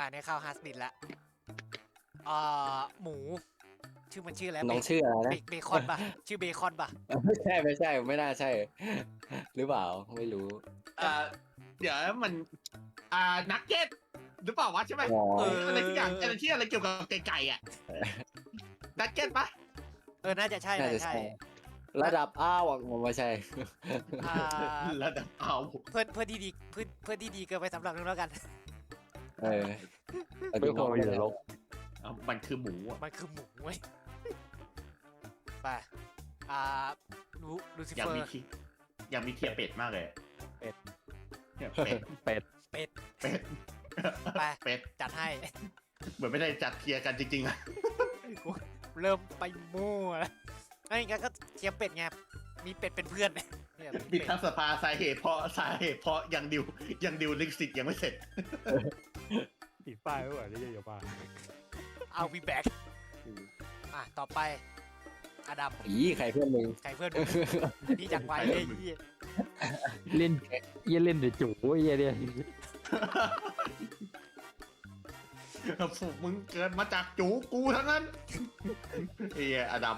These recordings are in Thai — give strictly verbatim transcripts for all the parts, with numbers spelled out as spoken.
อ่าในข้าวฮัสบิดละอ่าหมูชื่อมันชื่ออะไรน้องชื่ออะไรนะเบคอนป่ะชื่อเบคอนป่ะไม่ใช่ไม่ใช่ไม่น่าใช่ หรือเปล่าไม่รู้อ่าเดี๋ยวมันอ่านักเก็ตหรือเปล่าวะใช่ไหมอ๋อเอออะไรที่อย่างอะไรที่อะไรเกี่ยวกับไก่ๆอ่ะนักเก็ตปะเออน่าจะใช่น่าน่าจะจะใช่ใช่ระดับอ้าวผมไม่ใช่อ่าระดับเอาเพื่อนเพื่อนที่ดีเพื่อนเพื่อนที่ดีเกินไปสำหรับนึงแล้วกันเออไม่ควรมาอยู่ในโลกเอามันคือหมูอ่ะมันคือหมูเว้ยไปอ่าลูลูซิอยากเฟอมีร์ทีอยากมีเทียเป็ดมากเลยเป็ดเนี่ยเป็ดเป็ดเป็ดเป็ดไปเป็ดจัดให้เหมือนไม่ได้จัดเทียร์กันจริงๆอะกูเริ่มไปมั่วแล้วไอ้งั้นก็เทียมเป็ดไงมีเป็ดเป็นเพื่อนเนี่ยมีบิดเป็ดทั้งสภาสาเหตุเพราะสาเหตุเพราะยังดิวยังดิวลิขสิทธิ์ยังไม่เสร็จติดป้ายไว้ก่อนนี่อย่าป้าเอาวีแบ็กอ่ะต่อไปอดัมอีใครเพื่อนมึงใครเพื่อนมึงนี่จากไวเลยไอ้เหี้ยเล่นเยี่ยเล่นเดือดจู๋เยี่ยเนี่ยฝูกมึงเกิดมาจากจูกูทั้งนั้นเฮียอดัม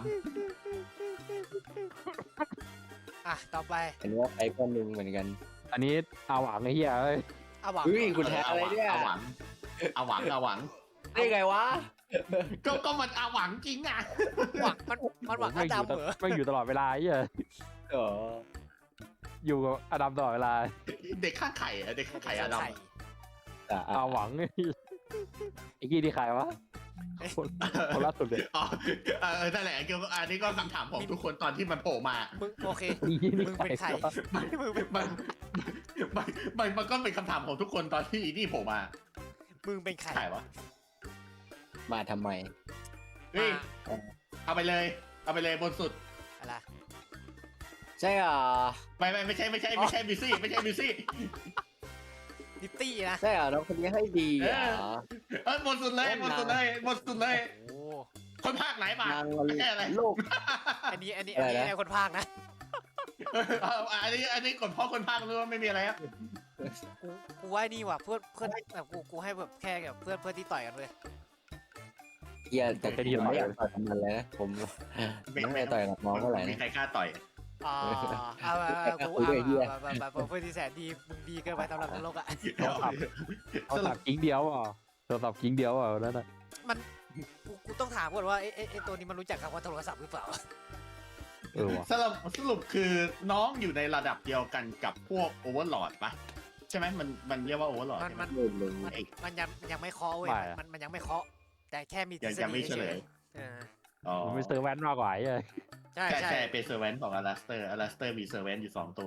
อ่ะต่อไปอันนี้ว่าใครเพื่อนมึงเหมือนกันอันนี้เอาหวังไอ้เหี้ยเอ้ยอาหวังเฮ้ยคุณแท้อะไรเนี่ยอาหวังอาหวังอาหวังได้ไงวะก็ก็มันอาหวังจริงอ่ะหวังมันมันหวังอไม่อดัมยู่เหรอไม่อยู่ตลอดเวลาไอ้เหี้ยอ๋ออยู่กับอดัมตลอดเวลาเด็กข้างไข่อะเด็กข้างไข่อดัมไข่อ่ะอ่ะเอาหวังไอ้กี้ที่ใครวะคนคนล่าสุดเลยอ๋อเออนั่นแหละเกี่ยวกับอันนี้ก็คำถามของทุกคนตอนที่มันโผล่มามึงโอเคนี่นี่มึงเป็นใครวะมันมันมันมันมันก็เป็นคำถามของทุกคนตอนที่อีนี่โผล่มามึงเป็นใครใครวะมาทำไมเฮ้ยอ่าเอาไปเลย เอาไปเลยบนสุดอะไรใช่อ่ะไม่ไม่ไม่ใช่ไม่ใช่ไม่ใช่บิซี่ไม่ใช่บิซี่นิตตี้นะใช่อ่ะน้องคนนี้ให้ดีอ่ะเออบนสุดเลยบนสุดเลยบนสุดเลยโอ้คนภาคไหนมานางไม่ใช่อะไรโลกอันนี้อันนี้อันนี้อะไรนะไอ้คนพากย์นะเอาอันนี้อันนี้กดเพราะคนภาครู้ว่าไม่มีอะไรครับกูกูว่านี่ว่ะเพื่อนเพื่อนแบบกูกูให้แบบแค่แบบเพื่อนเพื่อนที่ต่อยกันเลยเฮียแต่ผมไม่อยากต่อยกับมันเลยนะผมไม่อยากต่อยกับน้องเท่าไหร่มีนะใครกล้าต่อยอ่าเอาเอาเอากูคุยด้วยเหี้ยเอาเอาเอาเอาเพื่อนที่แสนดีมึงดีเกินไปสำหรับโลกอ่ะเอาสับกิ้งเดียวอ่ะเอาสับกิ้งเดียวอ่ะนั่นน่ะมันกูกูต้องถามก่อนว่าไอ้ไอ้ไอ้ตัวนี้มันรู้จักคำว่าโทรศัพท์หรือเปล่าเออว่ะสรุปสรุปคือน้องอยู่ในระดับเดียวกันกับพวกโอเวอร์ลอดปะใช่ไหมมันมันเรียกว่าโอเวอร์ลอดมันมันเล่นเลยมันมันยังมันยังไม่เคาะเว้ยมันมันยังไม่เคาะแต่แค่มีทฤยังษยังฎีไม่เฉลยเอออ๋อมันไม่เซอร์แวนมากกว่าไอ้เหี้ยใช่ใช่ใช่ใช่เป็นเซอร์เวนต์ของอลาสเตอร์อลาสเตอร์มีเซอร์เวนต์อยู่สองตัว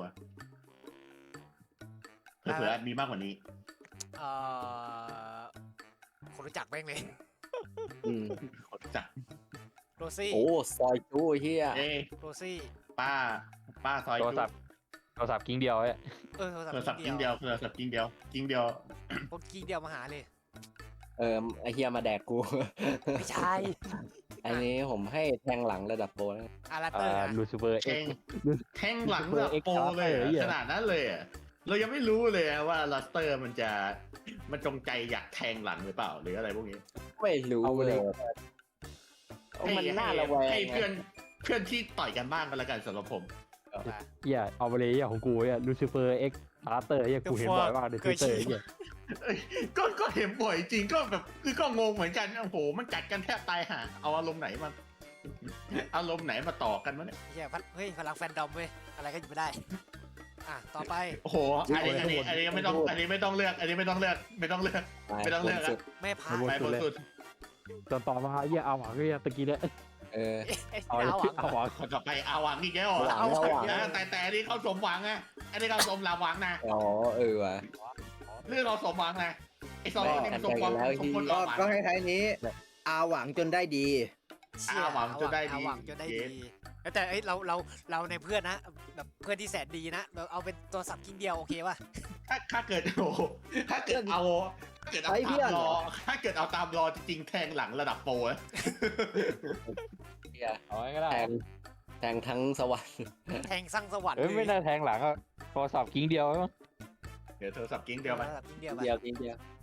เผื่อๆมีมากกว่านี้เอ่อคนรู้จักแม่งเลยอืมคนรู้จักโรซี่โอ้ซอยจู้เฮียเอ้โรซี่ป้า ป้าซอยโทรจุ๊ศัพท์โทรศัพท์กิ้งเดียวไอ้เออโทรศัพโทรศัพท์ท์กิ้งเดียวโทรศัพท์กิ้งเดียวกิ้งเดียวพวกกิ้งเดียวมาหาเลยเออไอเฮียมาแดกกูไม่ใช่อันนี้ผมให้แทงหลังระดับโปรนะอาราเตออ่าร์นะลูซิเฟอร์แทเอ็กงซ์แทงหลังแบบโปรเลยอะเหี้ยขนาดนั้นเลยอะเรายังไม่รู้เลยอะว่าลาสเตอร์มันจะมันจงใจอยากแทงหลังหรือเปล่าหรืออะไรพวกนี้ไม่รู้เอาไปเลเลย ยเอามันน่าระแวงให้ไงเพื่อนเพื่อนที่ต่อยกันบ้างกันละกันสำหรับผมเหี้ยเอาไปเลยเหี้ยของกูเหี้ยลูซิเฟอร์เอ็กซ์พาร์เตอร์เหี้ยกูเห็นบ่อยมากในทวิตเตอร์เหี้ยเอ้ยก็ก็เห็นบ่อยจริงก็แบบคือก็งงเหมือนกันโอ้โหมันกัดกันแทบตายห่าเอาอารมณ์ไหนมาอารมณ์ไหนมาต่อกันวะเนี่ยเฮียพัดเฮ้ยพลังแฟนดอมเว้ยอะไรก็อยู่ไม่ได้ อ่ะต่อไปโอ้โหอันนี้อันนี้อันนี้ไม่ต้องอันนี้ไม่ต้องเลือก อันนี้ไม่ต้องเลือกไม่ต้องเลือก ไม่ต้องเลือกสุดแม่พาไปบนสุดตอนต่อมาเหี้ยเอาหวังเหี้ยตะกี้เนี่ยเออไอ้เอาดาวเอาหวังคนต่อไปอาหวังอีกแล้วหวังเอาแล้วหวังนะแต่แต่อันนี้เขาสมหวังไงอันนี้เขาสมลาหวังนะอ๋อเออว่ะเรื่องเราสมหวังนะไอ้สองคนนี้มันสมหวังแบ่งกันแล้วสมควรที่ลาก็หวังก็คล้ายๆนี้ อาหวังจนได้ดีเชี่ยอาหวังจนได้ดีอาหวังจนได้เย็ดีนแต่เอ้ยเราเราเราในเพื่อนนะแบบเพื่อนที่แสนดีนะเราเอาเป็นตัวสับกิ้งเดียวโอเคป่ะถ้าถ้าเกิดโอ้โหถ้าเกิดเอาถ้าเกิดเอาไอ้เพื่ตาอนมเหรรออถ้าเกิดเอาตามรอจริงๆแทงหลังระดับโปรอะเฮียเอาไว้ก็ได้แทงแทงทั้งสวรรค์แทงสร้างสวรรค์เอ้ยไม่น่าแทงหลังอ่ะโทรศัพท์กิ้งเดียวมั้งเดี๋ยวโทรศัพท์กิ้งเดียวไปสับกิ้งเดียวไปเดียวทีเดียว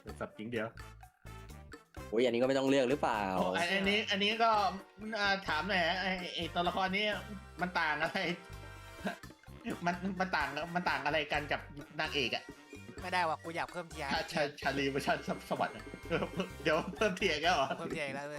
สับจริงเดียวโอ้ยอันนี้ก็ไม่ต้องเลือกหรือเปล่าโอ้อันอันนี้อันนี้ก็อ่าถามหน่อยไอ้ไอ้ตัวละครนี้มันต่างอะไร มันมันต่างมันต่างอะไรกันกับนางเอกอะไม่ได้ว่ะกูอยากเพิ่มเทียร์ชาชาชาลีเวอร์ชันสวัสดิ์อะเออเดี๋ยวเพิ่มเทียร์กันเหรอเพิ่มเทียร์อีกแล้วเลย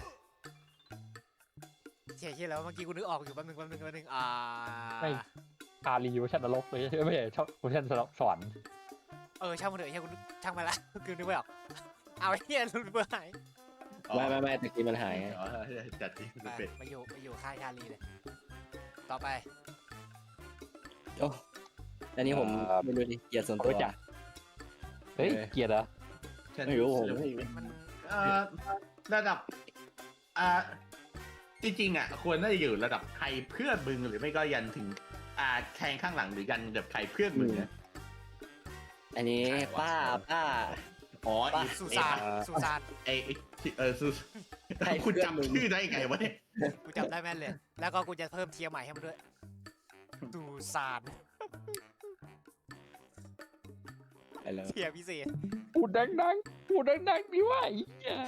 เทียร์ที่แล้วเมื่อกี้กูนึกออกอยู่แป๊บนึงแป๊บนึงแป๊บนึงอ่าไม่คารีเวอร์ชันนรกเลยไม่ใช่ชอบเวอร์ชันสวรรค์เออช่างมันเถอะเฮียกูนึกช่างมันละกูนึกไม่ออกเอาไอ้เฮียรูนเบอร์หายไม่ไม่ไม่ตะกี้มันหายไงอ๋อจัดที่ไปเป็นไปอยู่ไปอยู่ค่ายชาลีเลย ต่อไปโอ้อันนี้ผมไม่รู้ดิเกียรติส่วนตัวจ้ะเฮ้ยเกียรติเหรอไม่รู้ผมไม่มันเอ่อระดับอ่าจริงๆอ่ะควรน่าจะอยู่ระดับใครเพื่อนมึงหรือไม่ก็ยันถึงอ่าแทงข้างหลังหรือยันแบบใครเพื่อนมึงนะอันนี้ป้าป้าอ๋อป่ะสุสานสุสานไอไอ้เออซูใครคุณเพื่อนมึงจำชื่อได้ไงวะเนี่ยกูจำได้แม่นเลย แล้วก็กูจะเพิ่มเทียร์ใหม่ให้มันด้วยสุสานไปแล้วเทียร์พิเศษพูดดังๆพูดดังๆดีว่าไอ้เหี้ย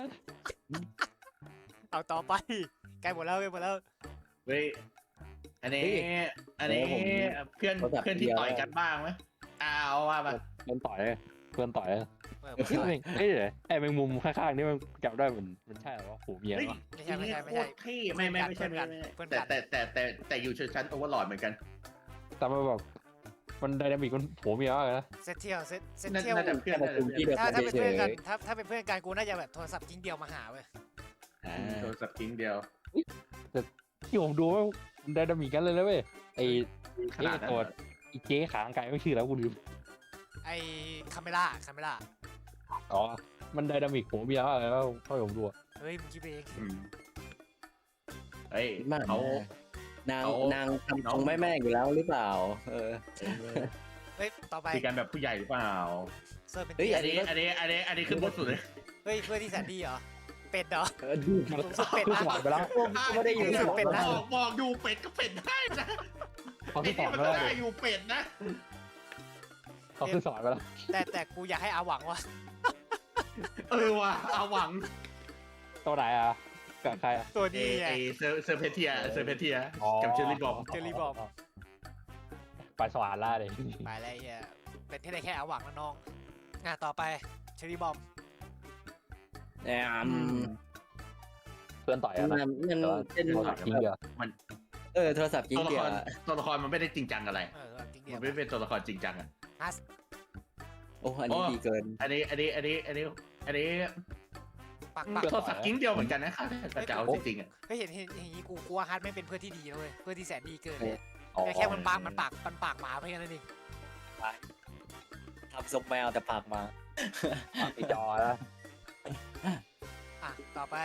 เอาต่อไปใกล้หมดแล้วใกล้หมดแล้วเฮ้ยอันนี้อันนี้เพื่อนเพื่อนที่ต่อยกันบ้างไหมอ้าวว่าแบบเพื่อนต่อยเพื่อนต่อยเออเฮ้ยเฮ้ยไอ้แมงมุมข้างๆนี่มันจับได้มันมันใช่เหรอวะโหเมียเฮ้ยวะไม่ใช่ไม่ใช่ไม่ใช่โคตรเท่ไม่ไม่ไม่ใช่ไม่ใช่ไม่ใช่แต่แต่แต่แต่แต่อยู่ชนชั้นโอเวอร์ลอดเหมือนกันแต่มันแบบมันไดนามิกมันโหเมียมากเลยนะเซตเทียลเซตเซตน่าเทียลน่าจะเพื่อนแต่น่าปจะระชุมเพื่ที่อนเดียวถ้ากันถ้าเป็นเฉเพื่อย นกันถ้าถ้าเป็นเพื่อนกันกูน่าจะแบบโทรศัพท์ทิ้งเดียวมาหาเว้ยๆอ่าโดนสับทิ้งเดียวที่ผมดูว่ามันไดนามิกกันเลยนะเว้ยไอ้ขนาดนั้นตัวเหรออีเจ๊ขางไก่ไม่ชื่อแล้วกูลืมไอ้คาเมล่าคาเมล่าอ๋อมันไดนามิกโหเมียมากเลยแล้วพ่อผมดูอะเฮ้ยมึงคิดไปเองอืมเฮ้ยมากเขานางเอานางทำทรงแม่แม่อยู่แล้วหรือเปล่า เออเฮ้ยต่อไปคุยกันแบบผู้ใหญ่หรือเปล่าเซิร์ฟเป็นเฮ้ยเทียอันร์นี้อันนี้อันนี้อันนี้ขึ้นบนสุดเลยเฮ้ยเพื่อนที่แสนดีเหรอเป็ดเหรอเออดูมันสูงสุดเป็ดขึ้นนะสวรรค์ไปแล้วไม่ได้อยู่ในสุดหัวเป็ดนะบอกบอกอยู่เป็ดก็เป็ดได้นะเขาไอ้ขึ้นสนี่วรรมันค์ไปก็แล้วได้อยู่เป็ดนะเขาขึ้นสวรรค์ไปแล้วแต่แต่กูอยากให้อาหวังว่ะเออว่ะเอาหวังตัวไหนอ่ะกับใครอ่ะตัวเอนี้ไงเอเซอร์เซอร์เพเทียเซอร์เพเทียกับเชอรี่บอมเจอรี่บอมไปสวรรค์ล่าเลยไปแล้วไอ้เฮียเป็นที่ได้แค่อาหวังนะน้องอ่ะต่อไปเชอรี่บอมแอมเพื่อนต่อยมัอะนนะมันแต่ว่าเป็นโทรศัพท์ทิ้งเดียวเออโทรศัพท์จริงตัวละเดีคยวรตัวละครมันไม่ได้จริงจังอะไรเออจริงเดียมัวนไม่เป็นตัวละครจริงจังอ่ะฮัสโอ้อันนี้ดีเกินอันนี้อันนี้อันนี้อันนี้อันนี้ปักปักโทรศัพท์กิ้งเดียวเหมือนกันนะครับแต่จะเอาจริงๆอ่ะเฮ้ยเห็นเห็นเห็นอย่างนี้กูกลัวฮัสไม่เป็นเพื่อนที่ดีนะเลยเพื่อนที่แสนดีเกินเอเลอยแต่แค่มันปากมันปากมันปากหมาเพียงนั้นเองทำทรงแมวแต่ปากมาไอจอแล้วอ่ะต่อไป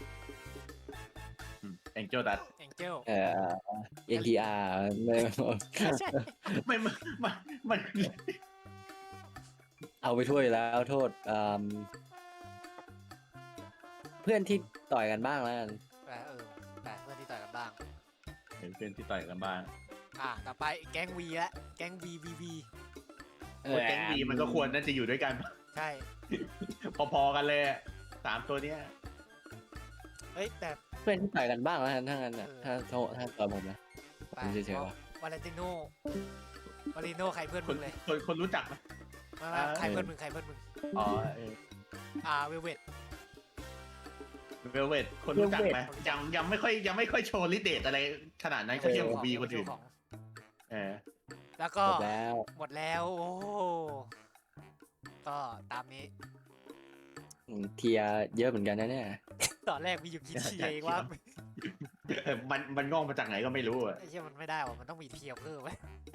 แองเจิลดัตแองเจิลเออเอ็นทีอาร์ไม่ใช่ไม่มันมันมันเอาไปถ้วยแล้วโทษอืมเพื่อนที่ต่อยกันบ้างแล้วกันแต่เออแต่เพื่อนที่ต่อยกันบ้างเห็นเป็นที่ต่อยกันบ้างอ่ะต่อไปแก๊งวีละแก๊งวีวีวีเออแก๊งดีมันก็ควรน่าจะอยู่ด้วยกันใช่พอๆกันเลยสามตัวเนี้ยเฮ้ยแต่เพื่อนที่ต่อยกันบ้างแล้วกันถ้างั้นน่ะเออถ้าโทษถ้าต่อยผมนะไปผมเฉยๆว่ะวาเลนติโนวาเลนติโนใครเพื่อนคมึนงเลยคนคนรู้จักไหมมามาใครเพื่อนมึงใครเพื่อนมึงอ๋อเอออ่าเวลเวตเวลเวทคนรู้จักไหมยังยังไม่ค่อยยังไม่ค่อยโชว์ลิเดตอะไรขนาดนั้นเขาเทียบกับบีคนอื่นของเออแล้วก็จบแล้วหมดแล้วโอ้ก็ตามนี้อืมเทียร์เยอะเหมือนกันนะเนี่ยตอนแรกมีอยู่กี่เทียร์เองว่ามันมันงอกมาจากไหนก็ไม่รู้อะไอ้เชี่ยมันไม่ได้ว่ะมันต้องมีเทียร์เพิ่มไว้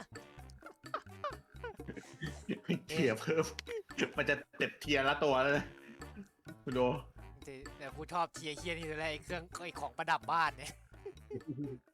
เทียร์เพิ่มมันจะเต็บเทียร์ละตัวแล้วนะคุณดูแต่กูชอบเทียร์เฮียนี่เลยไอ้เครื่องไอ้ของประดับบ้านเนี่ย